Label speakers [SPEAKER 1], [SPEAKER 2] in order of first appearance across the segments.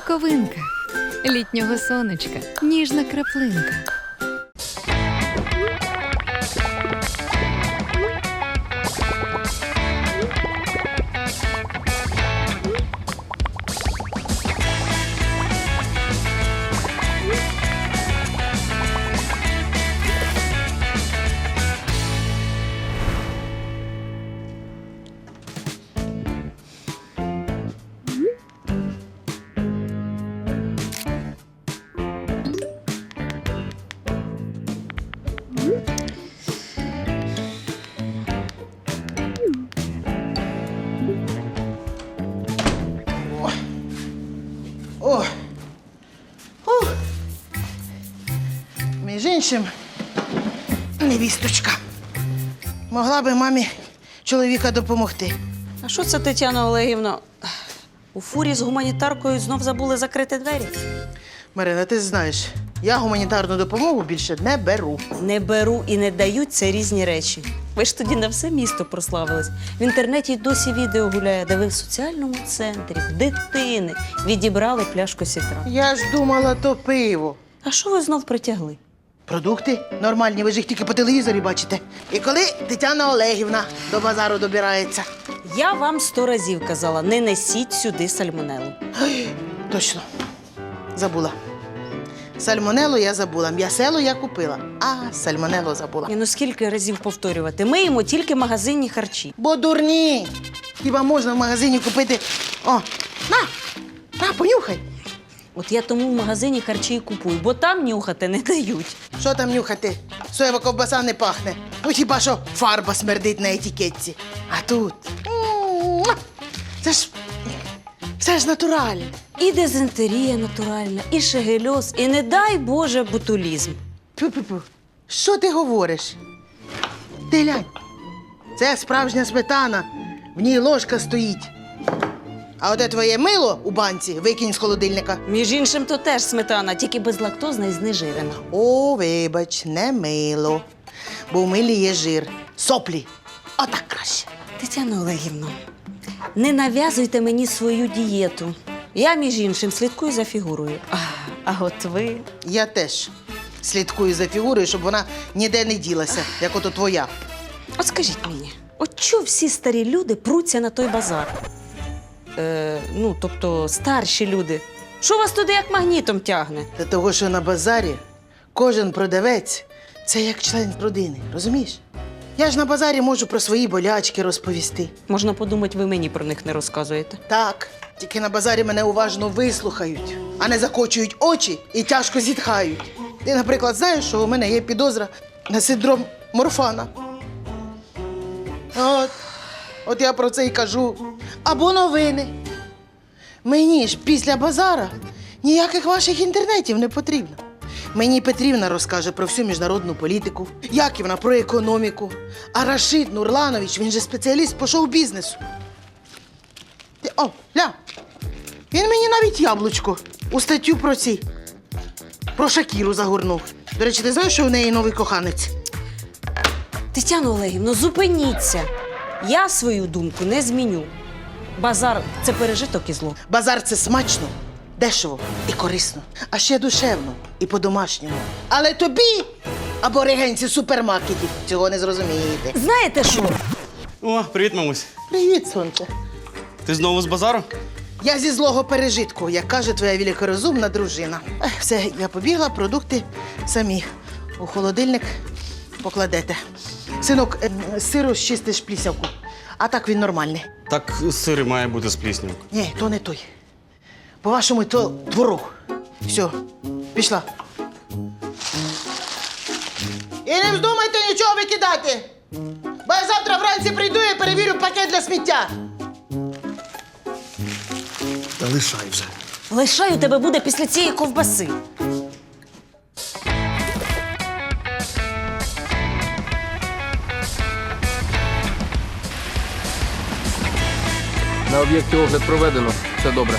[SPEAKER 1] Соковинка. Літнього сонечка. Ніжна краплинка.
[SPEAKER 2] О! Ух! Між іншим, невісточка. Могла би мамі чоловіка допомогти.
[SPEAKER 3] А що це, Тетяна Олегівна? У фурі з гуманітаркою знов забули закрити двері?
[SPEAKER 2] Марина, ти знаєш, я гуманітарну допомогу більше не беру.
[SPEAKER 3] Не беру і не даю – це різні речі. Ви ж тоді на все місто прославились. В інтернеті й досі відео гуляє, де ви в соціальному центрі, в дитини відібрали пляшку сітра.
[SPEAKER 2] Я ж думала, то пиво.
[SPEAKER 3] А що ви знов притягли?
[SPEAKER 2] Продукти нормальні, ви ж їх тільки по телевізорі бачите. І коли Тетяна Олегівна до базару добирається.
[SPEAKER 3] Я вам 100 разів казала, не несіть сюди сальмонелу.
[SPEAKER 2] Ой, точно, забула. Сальмонелу я забула, м'ясело я купила, а сальмонелу забула.
[SPEAKER 3] Ну скільки разів повторювати? Ми їмо тільки магазинні харчі.
[SPEAKER 2] Бо дурні! Хіба можна в магазині купити. О, на, понюхай.
[SPEAKER 3] От я тому в магазині харчі і купую, бо там нюхати не дають.
[SPEAKER 2] Що там нюхати? Соєва ковбаса не пахне. Ну хіба що фарба смердить на етикетці. А тут. Це ж все ж натуральне.
[SPEAKER 3] І дизентерія натуральна, і шегельоз, і не дай Боже ботулізм.
[SPEAKER 2] Тьфу-тьфу-тьфу. Що ти говориш? Ти глянь. Це справжня сметана. В ній ложка стоїть. А оте твоє мило у банці викинь з холодильника.
[SPEAKER 3] Між іншим, то теж сметана, тільки безлактозна і знежирена.
[SPEAKER 2] О, вибач, не мило. Бо в милі є жир. Соплі. Отак краще.
[SPEAKER 3] Тетяно Олегівно, не нав'язуйте мені свою дієту. Я, між іншим, слідкую за фігурою. А от ви…
[SPEAKER 2] Я теж слідкую за фігурою, щоб вона ніде не ділася, як ото твоя.
[SPEAKER 3] От скажіть мені, от чого всі старі люди пруться на той базар? Тобто старші люди. Що вас туди як магнітом тягне?
[SPEAKER 2] Та того, що на базарі кожен продавець – це як член родини, розумієш? Я ж на базарі можу про свої болячки розповісти.
[SPEAKER 3] Можна подумати, ви мені про них не розказуєте.
[SPEAKER 2] Так, тільки на базарі мене уважно вислухають, а не закочують очі і тяжко зітхають. Ти, наприклад, знаєш, що у мене є підозра на синдром Морфана. От я про це й кажу. Або новини. Мені ж після базара ніяких ваших інтернетів не потрібно. Мені Петрівна розкаже про всю міжнародну політику, Яківна про економіку, а Рашид Нурланович, він же спеціаліст по шоу-бізнесу. О, ля, він мені навіть яблучко у статтю про Шакіру загорнув. До речі, ти знаєш, що у неї новий коханець?
[SPEAKER 3] Тетяно Олегівно, зупиніться. Я свою думку не зміню. Базар – це пережиток і зло.
[SPEAKER 2] Базар – це смачно, дешево і корисно, а ще душевно і по-домашньому. Але тобі, аборигенці супермаркетів, цього не зрозумієте.
[SPEAKER 3] Знаєте що?
[SPEAKER 4] О, привіт, мамусь.
[SPEAKER 2] Привіт, сонце.
[SPEAKER 4] Ти знову з базару?
[SPEAKER 2] Я зі злого пережитку, як каже твоя великорозумна дружина. Все, я побігла, продукти самі у холодильник покладете. Синок, з сиру щистиш плісявку, а так він нормальний.
[SPEAKER 4] Так сир має бути з пліснявою.
[SPEAKER 2] Ні, то не той. По-вашому, то творог. Все, пішла. І не вздумайте нічого викидати. Бо я завтра вранці прийду і перевірю пакет для сміття.
[SPEAKER 5] Та лишай вже.
[SPEAKER 3] Лишай у тебе буде після цієї ковбаси.
[SPEAKER 6] На об'єкті огляд проведено. Все добре.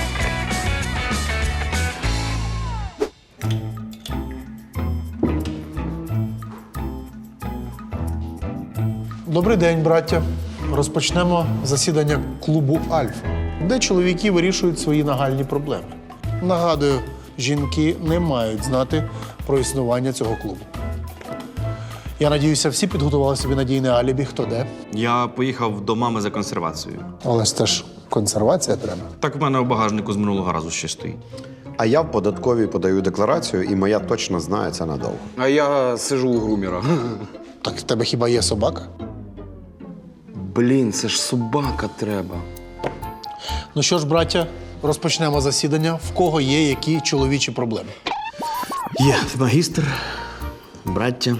[SPEAKER 5] Добрий день, браття. Розпочнемо засідання клубу «Альфа», де чоловіки вирішують свої нагальні проблеми. Нагадую, жінки не мають знати про існування цього клубу. Я надіюся, всі підготували собі надійне алібі, хто де.
[SPEAKER 4] Я поїхав до мами за консервацією.
[SPEAKER 5] Але ж це ж консервація треба.
[SPEAKER 4] Так в мене у багажнику з минулого разу ще стоїть.
[SPEAKER 7] А я в податковій подаю декларацію, і моя точно знає це надовго.
[SPEAKER 6] А я сижу у грумера.
[SPEAKER 5] Так в тебе хіба є собака?
[SPEAKER 6] Блін, це ж собака треба.
[SPEAKER 5] Ну що ж, браття, розпочнемо засідання. В кого є які чоловічі проблеми?
[SPEAKER 8] Є магістр, браття.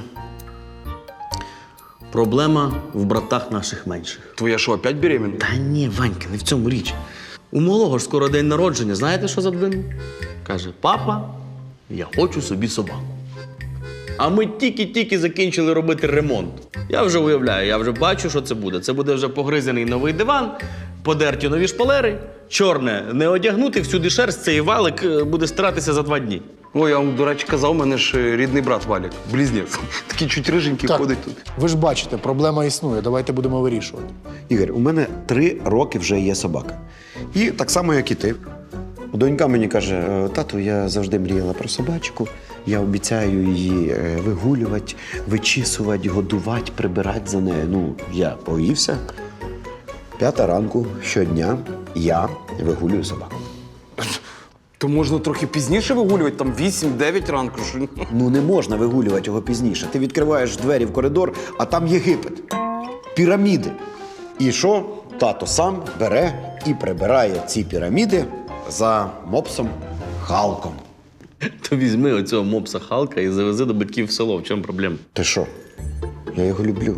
[SPEAKER 8] Проблема в братах наших менших.
[SPEAKER 6] Твоя що, опять беременна?
[SPEAKER 8] Та ні, Ванька, не в цьому річ. У малого ж скоро день народження. Знаєте, що задвинув? Каже, папа, я хочу собі собаку. А ми тільки-тільки закінчили робити ремонт. Я вже уявляю, я вже бачу, що це буде. Це буде вже погризений новий диван, подерті нові шпалери, чорне не одягнути, всюди шерсть, цей валик буде старатися за 2 дні.
[SPEAKER 6] Ой, я вам, до речі, казав, у мене ж рідний брат Валік, близнець. Такий чуть риженький
[SPEAKER 5] Так,
[SPEAKER 6] ходить тут.
[SPEAKER 5] ви ж бачите, проблема існує. Давайте будемо вирішувати.
[SPEAKER 7] Ігор, у мене 3 роки вже є собака. І так само, як і ти. Донька мені каже: тату, я завжди мріяла про собачку. Я обіцяю її вигулювати, вичісувати, годувати, прибирати за нею. Ну, я повівся. 5 ранку щодня я вигулюю собаку.
[SPEAKER 6] То можна трохи пізніше вигулювати, там 8-9 ранку. Що...
[SPEAKER 7] Ну, не можна вигулювати його пізніше. Ти відкриваєш двері в коридор, а там Єгипет. Піраміди. І що? Тато сам бере і прибирає ці піраміди за мопсом Халком.
[SPEAKER 8] То візьми оцього мопса Халка і завези до батьків в село. В чому проблема?
[SPEAKER 7] Ти що? Я його люблю.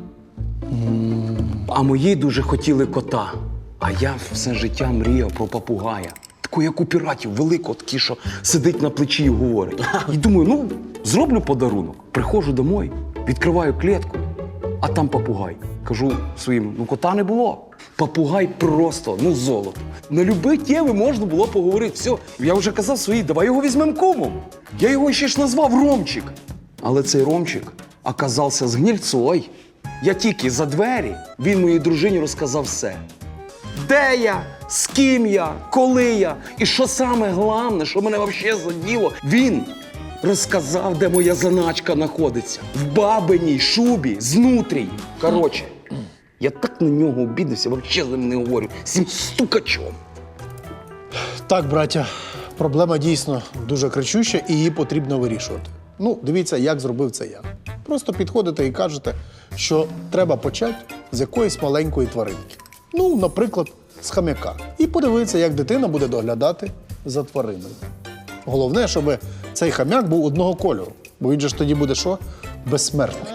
[SPEAKER 6] А мої дуже хотіли кота. А я все життя мріяв про папугая. Таку, як у піратів, великого, такий, що сидить на плечі і говорить. І думаю, ну, зроблю подарунок. Приходжу домой, відкриваю клітку, а там папугай. Кажу своїм, ну кота не було. Папугай просто, ну золото. На любі теми можна було поговорити. Все, я вже казав своїй, давай його візьмемо комом. Я його ще ж назвав Ромчик. Але цей Ромчик оказався з гнильцою. Я тільки за двері, він моїй дружині розказав все. Де я, з ким я, коли я. І що саме головне, що мене взагалі заділо, він розказав, де моя заначка знаходиться. В бабиній шубі, знутрій. Коротше, я так на нього обідався, взагалі з ним не говорю. З цим стукачом.
[SPEAKER 5] Так, браття, проблема дійсно дуже кричуща і її потрібно вирішувати. Ну, дивіться, як зробив це я. Просто підходите і кажете, що треба почати з якоїсь маленької тваринки. Ну, наприклад, з хам'яка. І подивитися, як дитина буде доглядати за твариною. Головне, щоб цей хам'як був одного кольору. Бо він же ж тоді буде що? Безсмертний.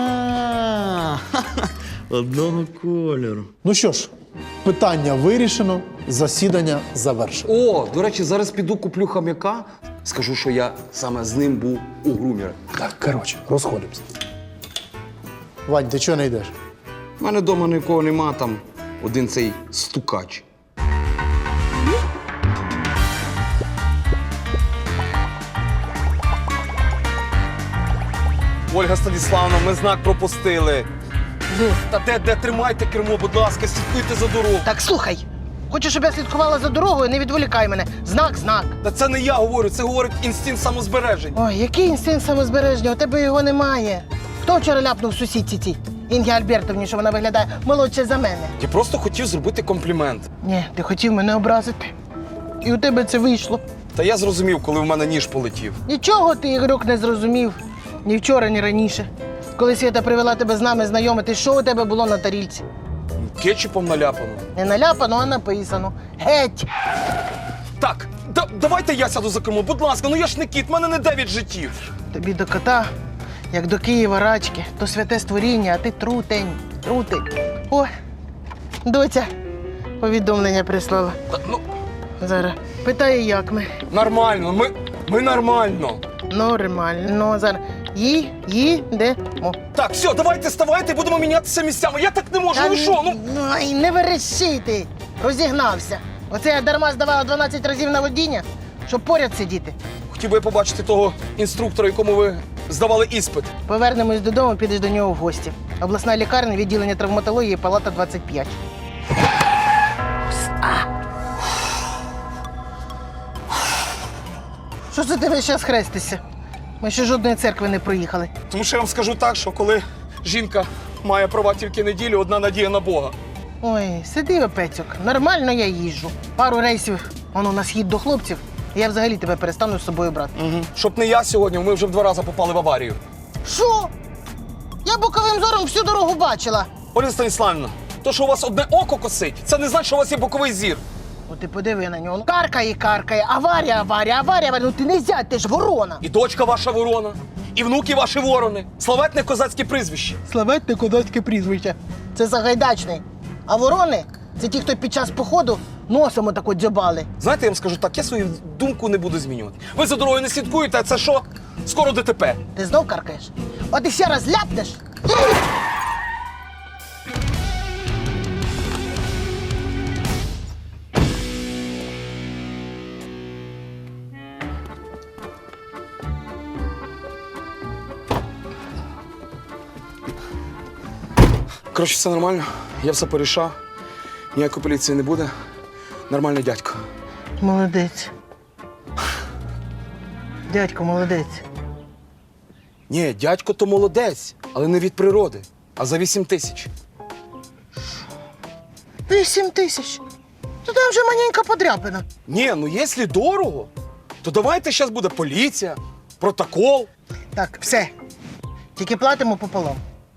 [SPEAKER 8] Одного кольору.
[SPEAKER 5] Ну що ж, питання вирішено, засідання завершено.
[SPEAKER 6] О, до речі, зараз піду куплю хам'яка. Скажу, що я саме з ним був у грумера.
[SPEAKER 5] Так, коротше, розходимося. Вань, ти чого не йдеш?
[SPEAKER 6] У мене вдома нікого нема, там один цей стукач. Ольга Станіславовна, ми знак пропустили. Та де тримайте кермо, будь ласка, слідкуйте за дорогою.
[SPEAKER 2] Так слухай, хочеш, щоб я слідкувала за дорогою, не відволікай мене. Знак.
[SPEAKER 6] Та це не я говорю, це говорить інстинкт самозбереження.
[SPEAKER 2] Ой, який інстинкт самозбереження, у тебе його немає. Хто вчора ляпнув сусідці цій? Інгі Альбертовні, що вона виглядає молодше за мене.
[SPEAKER 6] Я просто хотів зробити комплімент.
[SPEAKER 2] Ні, ти хотів мене образити. І у тебе це вийшло.
[SPEAKER 6] Та я зрозумів, коли в мене ніж полетів.
[SPEAKER 2] Нічого ти, Ігорюк, не зрозумів. Ні вчора, ні раніше. Коли Свята привела тебе з нами знайомити, що у тебе було на тарілці?
[SPEAKER 6] Кетчупом наляпано.
[SPEAKER 2] Не наляпано, а написано. Геть!
[SPEAKER 6] Так, давайте я сяду за кермо, будь ласка, ну я ж не кіт, в мене не 9 життів.
[SPEAKER 2] Тобі до кота, як до Києва рачки, то святе створіння, а ти трутень. О, доця повідомлення прислала.
[SPEAKER 6] Ну,
[SPEAKER 2] Зараз. Питає, як ми.
[SPEAKER 6] нормально, ми нормально.
[SPEAKER 2] Нормально. Зараз. Їдемо.
[SPEAKER 6] Так, все, давайте ставайте, будемо мінятися місцями. Я так не можу, ну що, ну.
[SPEAKER 2] Ай, не верещи ти. Розігнався. Оце я дарма здавала 12 разів на водіння, щоб поряд сидіти.
[SPEAKER 6] Хотів би я побачити того інструктора, якому ви здавали іспит.
[SPEAKER 2] Повернемось додому, підеш до нього в гості. Обласна лікарня, відділення травматології, палата 25. Що це ти весь час хрестишся? Ми ще жодної церкви не проїхали.
[SPEAKER 9] Тому що я вам скажу так, що коли жінка має права тільки неділю, одна надія на Бога.
[SPEAKER 2] Ой, сиди, Петьок, нормально я їжджу. Пару рейсів, воно на схід до хлопців, і я взагалі тебе перестану з собою брати.
[SPEAKER 9] Угу. Щоб не я сьогодні, ми вже в 2 рази попали в аварію.
[SPEAKER 2] Що? Я боковим зором всю дорогу бачила.
[SPEAKER 9] Ольга Станіславівна, то, що у вас одне око косить, це не значить, що у вас є боковий зір.
[SPEAKER 2] От ти подиви на нього. Каркає, аварія. Ну ти не зять, ти ж ворона.
[SPEAKER 9] І дочка ваша ворона, і внуки ваші ворони. Славетне козацьке прізвище.
[SPEAKER 2] Славетне козацьке прізвище. Це Сагайдачний. А ворони це ті, хто під час походу носом отако дзьобали.
[SPEAKER 9] Знаєте, я вам скажу так, я свою думку не буду змінювати. Ви за дорогою не слідкуєте, а це що? Скоро ДТП.
[SPEAKER 2] Ти знов каркаєш? От і ще раз ляпнеш.
[SPEAKER 9] Коротше, все нормально, я все порішав. Ніякої поліції не буде. Нормальний дядько.
[SPEAKER 2] Молодець. Дядько, молодець.
[SPEAKER 9] Ні, дядько то молодець, але не від природи, а за 8 тисяч.
[SPEAKER 2] 8 тисяч. То там вже маленька подряпина.
[SPEAKER 9] Ні, ну якщо дорого, то давайте зараз буде поліція, протокол.
[SPEAKER 2] Так, все. Тільки платимо пополам.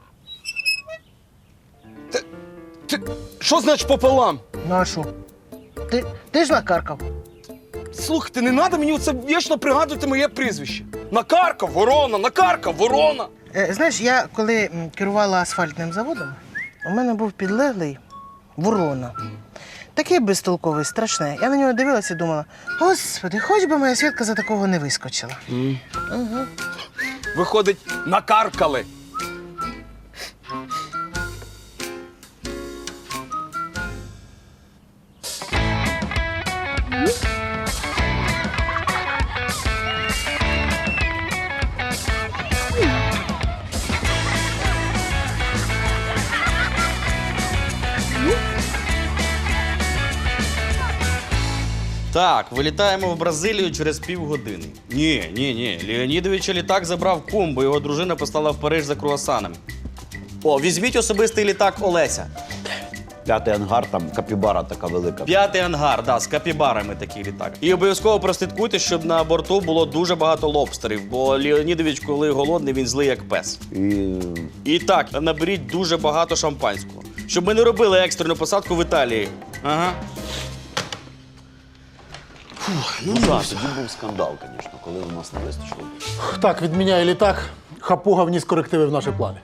[SPEAKER 9] Що значить пополам?
[SPEAKER 2] Ну а що? Ти ж накаркав.
[SPEAKER 9] Слухайте, не треба мені оце вічно пригадувати моє прізвище. Накаркав, ворона, накаркав, ворона.
[SPEAKER 2] Знаєш, я коли керувала асфальтним заводом, у мене був підлеглий ворона. Такий безтолковий, страшний. Я на нього дивилася і думала, господи, хоч би моя Свідка за такого не вискочила.
[SPEAKER 9] Виходить, накаркали.
[SPEAKER 8] Так, вилітаємо в Бразилію через півгодини. Ні. Леонідовича літак забрав кум, бо його дружина послала в Париж за круасанами. О, візьміть особистий літак Олеся.
[SPEAKER 7] 5-й ангар, там капібара така велика.
[SPEAKER 8] 5-й ангар, да, з капібарами такий літак. І обов'язково прослідкуйте, щоб на борту було дуже багато лобстерів, бо Леонідович, коли голодний, він злий як пес. І так, наберіть дуже багато шампанського, щоб ми не робили екстрену посадку в Італії. Ага.
[SPEAKER 7] Ну так, тоді був скандал, звісно, коли у нас не вистачило.
[SPEAKER 5] Так, відміняє літак. Хапуга вніс корективи в наші плани.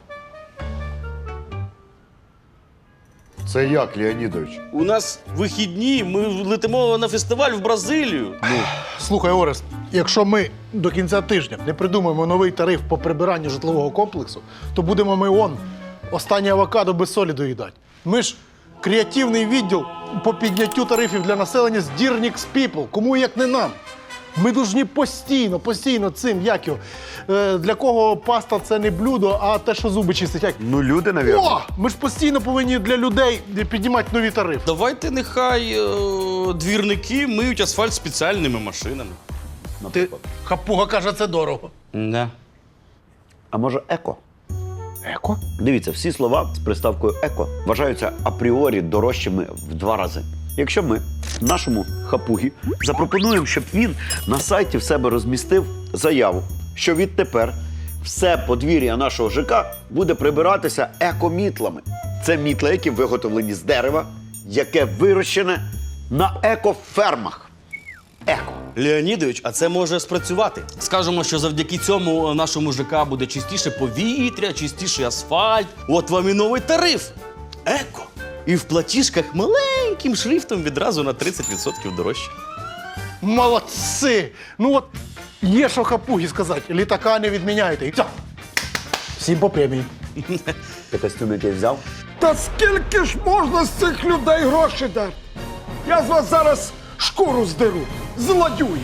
[SPEAKER 10] Це як, Леонідович?
[SPEAKER 8] У нас вихідні, ми летимо на фестиваль в Бразилію.
[SPEAKER 5] Слухай, Орест, якщо ми до кінця тижня не придумаємо новий тариф по прибиранню житлового комплексу, то будемо ми останні авокадо без солі доїдати. Ми ж креативний відділ по підняттю тарифів для населення з Dear People. Кому як не нам. Ми повинні постійно цим, як його, для кого паста це не блюдо, а те, що зуби чистить. Як?
[SPEAKER 10] Ну, люди, навірно.
[SPEAKER 5] О! Ми ж постійно повинні для людей піднімати нові тарифи.
[SPEAKER 8] Давайте нехай двірники миють асфальт спеціальними машинами.
[SPEAKER 5] Ти, хапуга каже, це дорого.
[SPEAKER 8] Да.
[SPEAKER 7] А може еко?
[SPEAKER 5] Еко?
[SPEAKER 7] Дивіться, всі слова з приставкою еко вважаються апріорі дорожчими в 2 рази. Якщо ми нашому хапугі запропонуємо, щоб він на сайті в себе розмістив заяву, що відтепер все подвір'я нашого ЖК буде прибиратися екомітлами. Це мітли, які виготовлені з дерева, яке вирощене на екофермах. Еко.
[SPEAKER 8] Леонідович, а це може спрацювати. Скажемо, що завдяки цьому нашому ЖК буде чистіше повітря, чистіший асфальт. От вам і новий тариф. Еко. І в платіжках маленьким шрифтом відразу на 30% дорожче.
[SPEAKER 5] Молодці! Ну от є що хапугі сказати, літака не відміняйте. І все. Всім по премії.
[SPEAKER 7] Ти костюм який взяв?
[SPEAKER 9] Та скільки ж можна з цих людей гроші дати? Я з вас зараз шкуру здеру, злодюї.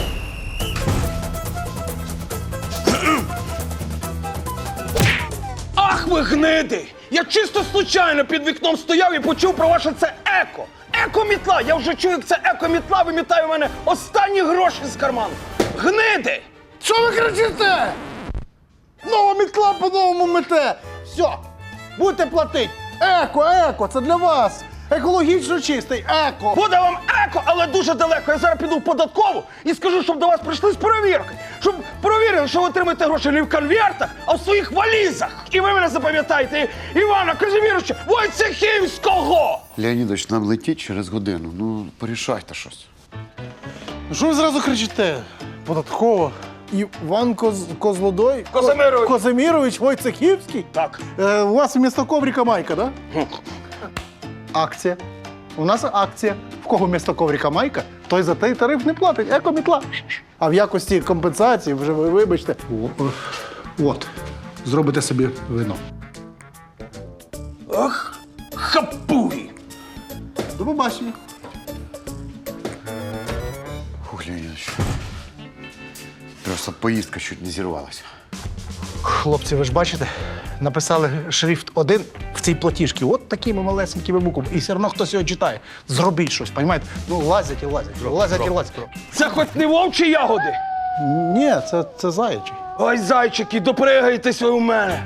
[SPEAKER 9] Ах ви гниди! Я чисто случайно під вікном стояв і почув про ваше це еко. Екомітла! Я вже чую, як це екомітла вимітає у мене останні гроші з карману. гниди!
[SPEAKER 5] Що ви кричите? Нова мітла по-новому мете. Все, будете платити. Еко, це для вас. Екологічно чистий, еко.
[SPEAKER 9] Буде вам еко, але дуже далеко. Я зараз піду в податкову і скажу, щоб до вас прийшли з перевірки. Щоб перевірили, що ви отримаєте гроші не в конвертах, а в своїх валізах. І ви мене запам'ятаєте, Івана Казиміровича Войцехівського!
[SPEAKER 10] Леонідович, нам летіть через годину. Ну, порішайте щось.
[SPEAKER 5] Ну що ви зразу кричите? Податково. Іван Козлодой?
[SPEAKER 9] Казимирович.
[SPEAKER 5] Казимірович Войцехівський?
[SPEAKER 9] Так.
[SPEAKER 5] У вас вмісто коврика майка, да? Акція. У нас акція. В кого вмісто коврика майка, той за той тариф не платить. Екомітла. А в якості компенсації, вже ви вибачте. От. Зробите собі вино.
[SPEAKER 9] Ах, хапуги!
[SPEAKER 5] До побачення.
[SPEAKER 10] Фух, Леонідович. Просто поїздка чуть не зірвалася.
[SPEAKER 5] Хлопці, ви ж бачите, написали шрифт 1 в цій платіжці. От такими малесенькими буквами. І все одно хтось його читає. Зробіть щось, розумієте? Ну, лазять і лазять. Лазять і лазять.
[SPEAKER 9] Це хоч не вовчі ягоди?
[SPEAKER 5] Ні, це заячий.
[SPEAKER 9] Ой, зайчики, допригайтесь ви у мене.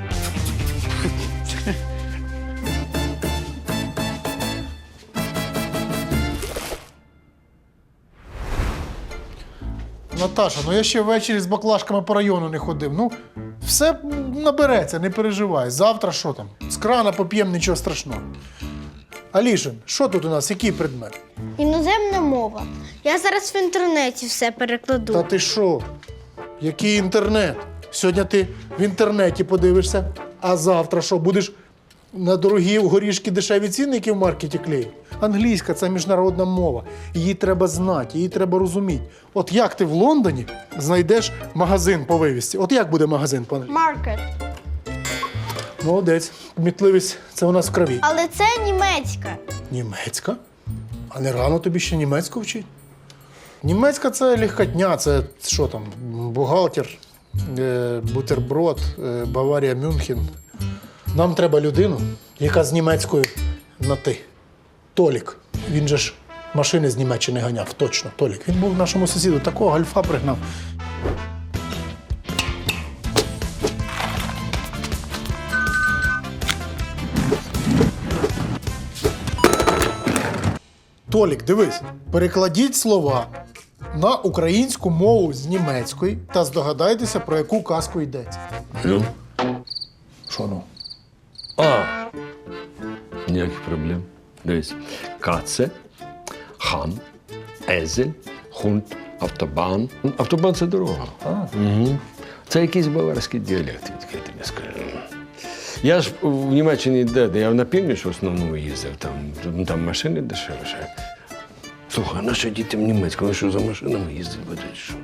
[SPEAKER 5] Наташа, ну я ще ввечері з баклажками по району не ходив. Ну, все набереться, не переживай. Завтра що там? З крана поп'ємо, нічого страшного. Алішин, що тут у нас? Який предмет?
[SPEAKER 11] Іноземна мова. Я зараз в інтернеті все перекладу.
[SPEAKER 5] Та ти що? Який інтернет? Сьогодні ти в інтернеті подивишся, а завтра що, будеш на дорогі горішки дешеві цінники в маркеті клеїти? Англійська – це міжнародна мова. Її треба знати, її треба розуміти. От як ти в Лондоні знайдеш магазин по вивісці? От як буде магазин по-англійськи?
[SPEAKER 11] Маркет.
[SPEAKER 5] Молодець. Кмітливість – це у нас в крові.
[SPEAKER 11] Але це німецька.
[SPEAKER 5] Німецька? А не рано тобі ще німецьку вчити? Німецька – це легкотня, це що там, бухгалтер, бутерброд, Баварія, Мюнхен. Нам треба людину, яка з німецькою на «ти». Толік. Він же ж машини з Німеччини ганяв, точно, Толік. Він був нашому сусіду, такого гальфа пригнав. Толік, дивись, перекладіть слова на українську мову з німецької та здогадайтеся, про яку казку йдеться.
[SPEAKER 12] Ну?
[SPEAKER 5] Що ну?
[SPEAKER 12] А, ніяких проблем. Дивись. Каце, хан, езель, хунт, автобан. Автобан – це дорога. Угу. Це якийсь баварський діалект, я тобі скажу. Я ж в Німеччині де я на північ в основному їздив, там машини дешевше. Слухай, наші діти в Німецьку, вони що за машинами їздять будуть? Що?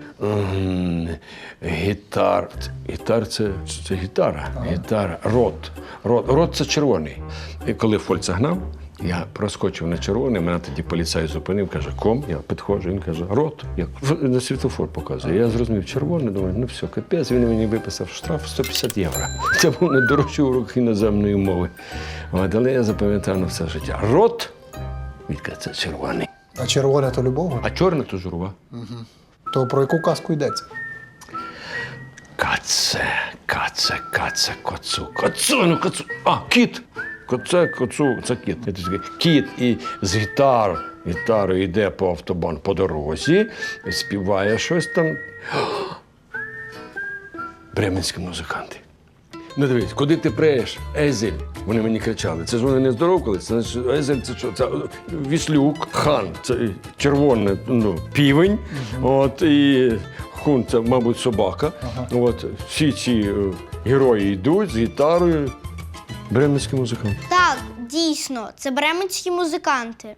[SPEAKER 12] Гітар це гітара. Гітара. Рот це червоний. І коли Фольца гнав, я проскочив на червоний, мене тоді поліцай зупинив, каже, ком, я підходжу, він каже, рот. Я на світлофор показую. Я зрозумів, червоний, думаю, ну все, капець, він мені виписав штраф 150 євро. Це був найдорожчий урок іноземної мови. Але я запам'ятав на все життя. Рот, він каже, це червоний.
[SPEAKER 5] А червоне то любов?
[SPEAKER 12] А чорне то журва.
[SPEAKER 5] Угу. То про яку казку йдеться?
[SPEAKER 12] Каце, коцу. А, кіт. Коцу, це кіт. Кіт і з гітарою йде по автобан по дорозі, співає щось там. Бременські музиканти. Ну дивись, куди ти преєш? Езель. Вони мені кричали. Це ж вони не здоровкались. Це значить, Езель це що? Це віслюк, хан, це червоний півень. От, і хун це, мабуть, собака. От, всі ці герої йдуть з гітарою. Бременські музиканти.
[SPEAKER 11] Так, дійсно, це бременські музиканти.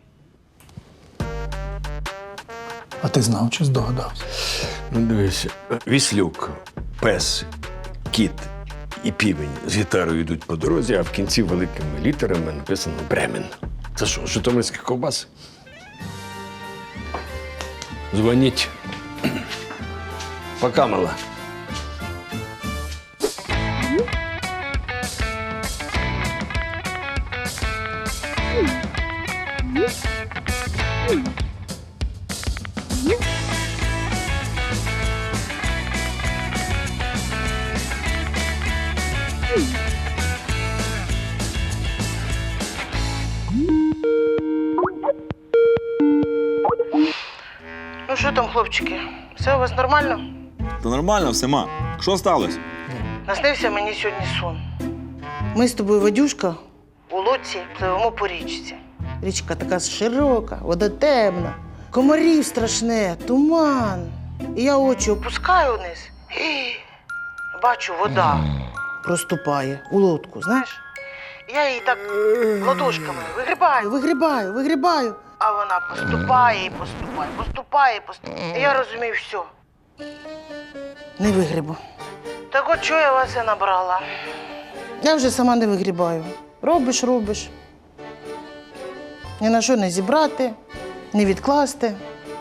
[SPEAKER 5] А ти знав чи здогадався?
[SPEAKER 12] Ну, дивись, віслюк, пес, кіт і півень з гітарою йдуть по дорозі, а в кінці великими літерами написано «Бремен». Це що, житомирські ковбаси? Дзвоніть. Пока, мала.
[SPEAKER 2] хлопчики? Все у вас нормально?
[SPEAKER 8] Та нормально все, ма. Що сталося?
[SPEAKER 2] Наснився мені сьогодні сон. Ми з тобою, Вадюшка, у лодці пливемо по річці. Річка така широка, вода темна, комарів страшне, туман. І я очі опускаю вниз і бачу, вода проступає у лодку, знаєш? Я її так ладошками вигрібаю. А вона поступає і поступає. І я розумію, все. Не вигрібу. Так от чого я вас і набрала? Я вже сама не вигрібаю. Робиш. Ні на що не зібрати, не відкласти.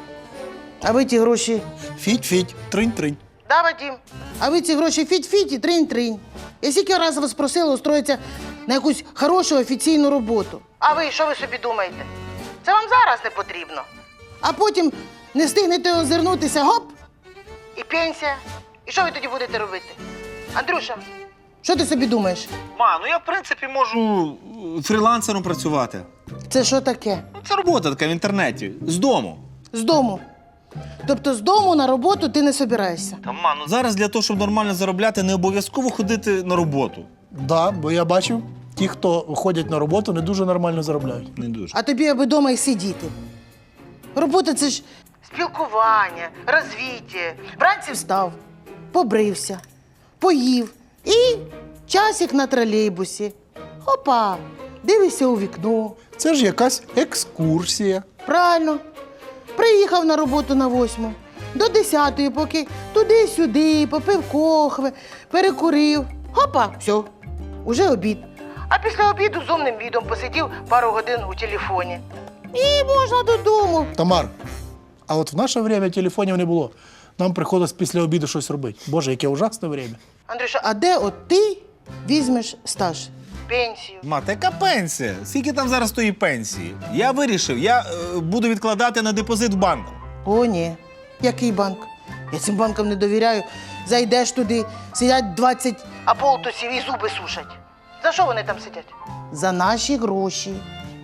[SPEAKER 2] А ви ті гроші...
[SPEAKER 5] Фіть-фіть, тринь-тринь.
[SPEAKER 2] Да, Вадим? А ви ці гроші фіть-фіть і тринь-тринь. Я скільки разів вас просила устроїтися на якусь хорошу офіційну роботу. А ви, що ви собі думаєте? Це вам зараз не потрібно. А потім не встигнете озирнутися, гоп, і пенсія. І що ви тоді будете робити? Андрюша, що ти собі думаєш?
[SPEAKER 8] Ма, ну я в принципі можу фрілансером працювати.
[SPEAKER 2] Це що таке?
[SPEAKER 8] Ну, це робота така в інтернеті, з дому.
[SPEAKER 2] З дому. Тобто з дому на роботу ти не собираєшся?
[SPEAKER 8] Та, ма, ну зараз для того, щоб нормально заробляти, не обов'язково ходити на роботу.
[SPEAKER 5] Да, бо я бачив, ті, хто ходять на роботу, не дуже нормально заробляють.
[SPEAKER 8] Не дуже.
[SPEAKER 2] А тобі аби вдома і сидіти. Робота – це ж спілкування, розвіття. Вранці встав, побрився, поїв і часик на тролейбусі. Опа, дивишся у вікно.
[SPEAKER 5] Це ж якась екскурсія.
[SPEAKER 2] Правильно. Приїхав на роботу на 8, до 10-ї, поки туди-сюди, попив кохви, перекурив. Опа, все, уже обід. А після обіду з умним відом посидів пару годин у телефоні. І можна додому.
[SPEAKER 5] Тамар, а от в наше время телефонів не було. Нам приходилось після обіду щось робити. Боже, яке ужасне время.
[SPEAKER 2] Андрюша, а де от ти візьмеш стаж? Пенсію?
[SPEAKER 8] Ма, та яка пенсія? Скільки там зараз тої пенсії? Я вирішив, я буду відкладати на депозит в банку.
[SPEAKER 2] О, ні. Який банк? Я цим банкам не довіряю. Зайдеш туди, сидять 20 аполтусів і зуби сушать. За що вони там сидять? За наші гроші.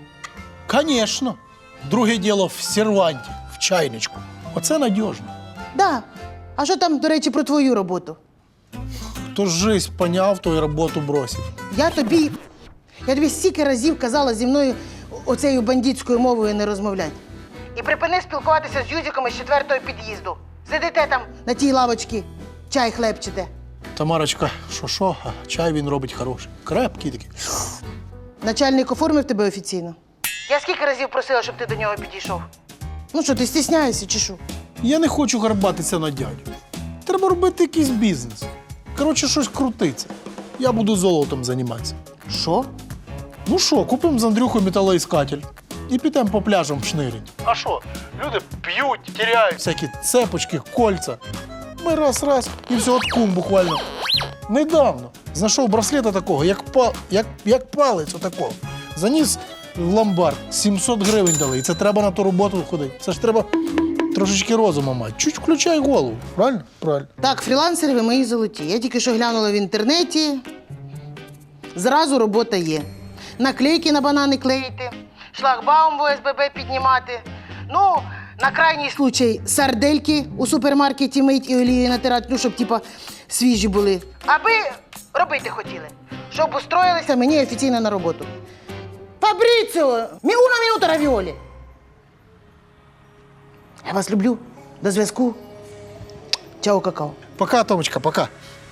[SPEAKER 5] Конечно. Друге діло в серванті, в чайничку. Оце надіжно.
[SPEAKER 2] Да. А що там, до речі, про твою роботу?
[SPEAKER 5] Хто жизнь поняв, то й роботу бросив.
[SPEAKER 2] Я тобі стільки разів казала зі мною оцею бандитською мовою не розмовляти. І припини спілкуватися з юзиками з 4-го під'їзду. Сидите там на тій лавочці, чай хлебчите.
[SPEAKER 5] Тамарочка, що, а чай він робить хороший. Крепкий такий.
[SPEAKER 2] Начальник оформив тебе офіційно? Я скільки разів просила, щоб ти до нього підійшов? Ну що, ти стісняєшся чи що?
[SPEAKER 5] Я не хочу гарбатися на дядю. Треба робити якийсь бізнес. Коротше, щось крутиться. Я буду золотом займатися.
[SPEAKER 2] Що?
[SPEAKER 5] Ну що, купимо з Андрюхою металоіскатель і підемо по пляжам в шнирять. А що? Люди п'ють, теряють всякі цепочки, кольця. Ми раз і все, от кум буквально. Недавно знайшов браслета такого, як палець отакого. Заніс в ломбард, 700 гривень дали. І це треба на ту роботу ходити. Це ж треба трошечки розуму мати. Чуть включай голову. Правильно? Правильно.
[SPEAKER 2] Так, фрілансери ви мої золоті. Я тільки що глянула в інтернеті. Зразу робота є. Наклейки на банани клеїти, шлагбаум в ОСББ піднімати. Ну, на крайній случай сардельки у супермаркеті мить і олією натирати, ну, щоб, типа, свіжі були. Аби робити хотіли. Щоб устроїлися мені офіційно на роботу. Фабріціо! Una minuta равіолі! Я вас люблю. До зв'язку. Чао, какао.
[SPEAKER 5] Пока, Томочка, пока.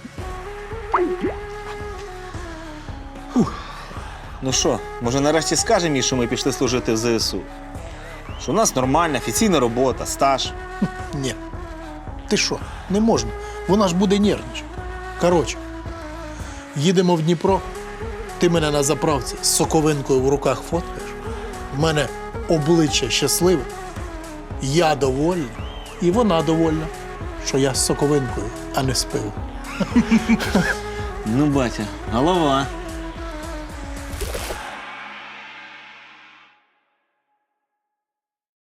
[SPEAKER 8] Ну що, може нарешті скажемо їй, що ми пішли служити в ЗСУ? Що у нас нормальна, офіційна робота, стаж.
[SPEAKER 5] Ні. Ти що? Не можна. Вона ж буде нервничати. Коротше, їдемо в Дніпро, ти мене на заправці з соковинкою в руках фоткаєш, в мене обличчя щасливе, я довольна, і вона довольна, що я з соковинкою, а не з пивом.
[SPEAKER 8] Ну, батя, голова.